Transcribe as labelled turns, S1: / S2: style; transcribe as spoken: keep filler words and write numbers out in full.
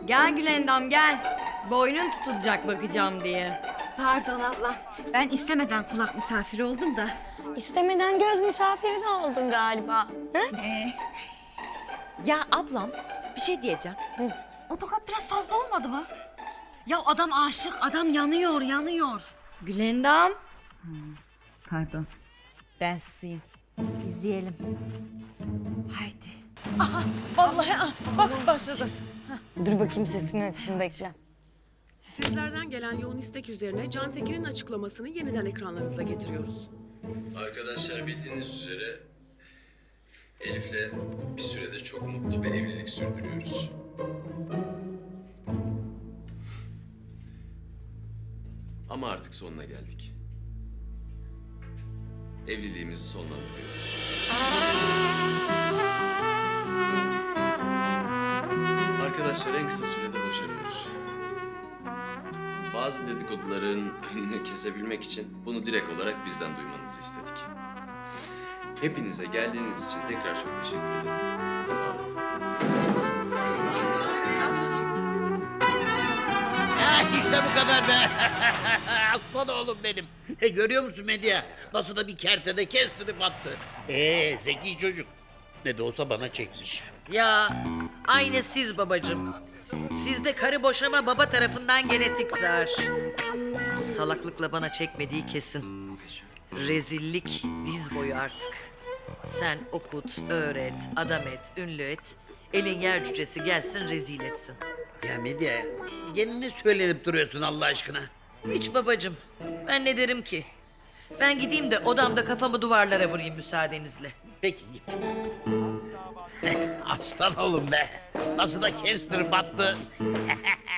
S1: Gel Gülendam gel. Boynun tutulacak bakacağım diye.
S2: Pardon ablam. Ben istemeden kulak misafiri oldum da.
S3: İstemeden göz misafiri de oldun galiba. Hı?
S2: Ee, ya ablam bir şey diyeceğim. Hı. O tokat biraz fazla olmadı mı? Ya adam aşık, adam yanıyor, yanıyor.
S1: Gülendam.
S2: Pardon. Ben susayım. İzleyelim. Haydi. Aha, vallahi ah, bak başladı.
S3: Dur bakayım sesini açayım bekle.
S4: Sizlerden gelen yoğun istek üzerine Can Tekin'in açıklamasını yeniden ekranlarınıza getiriyoruz.
S5: Arkadaşlar bildiğiniz üzere Elif'le bir süredir çok mutlu bir evlilik sürdürüyoruz. Ama artık sonuna geldik. Evliliğimizi sonlandırıyoruz. Arkadaşlar en kısa sürede boşanıyoruz. Bazı dedikoduların önünü kesebilmek için bunu direkt olarak bizden duymanızı istedik. Hepinize geldiğiniz için tekrar çok teşekkür ederim. Sağ olun.
S6: Ha, işte bu kadar be. Aslan oğlum benim. E, görüyor musun Medya? Nasıl da bir kertede kestirip attı. Ee, zeki çocuk. Ne de olsa bana çekmiş.
S7: Ya aynı siz babacığım. Sizde karı boşama baba tarafından genetik zar. Bu salaklıkla bana çekmediği kesin. Rezillik diz boyu artık. Sen okut, öğret, adam et, ünlü et. Elin yer cücesi gelsin rezil etsin.
S6: Ya Medya, gene ne söylenip duruyorsun Allah aşkına?
S7: Hiç babacığım. Ben ne derim ki? Ben gideyim de odamda kafamı duvarlara vurayım müsaadenizle.
S6: Peki git. Aslan oğlum be. Nasıl da kestirip attı.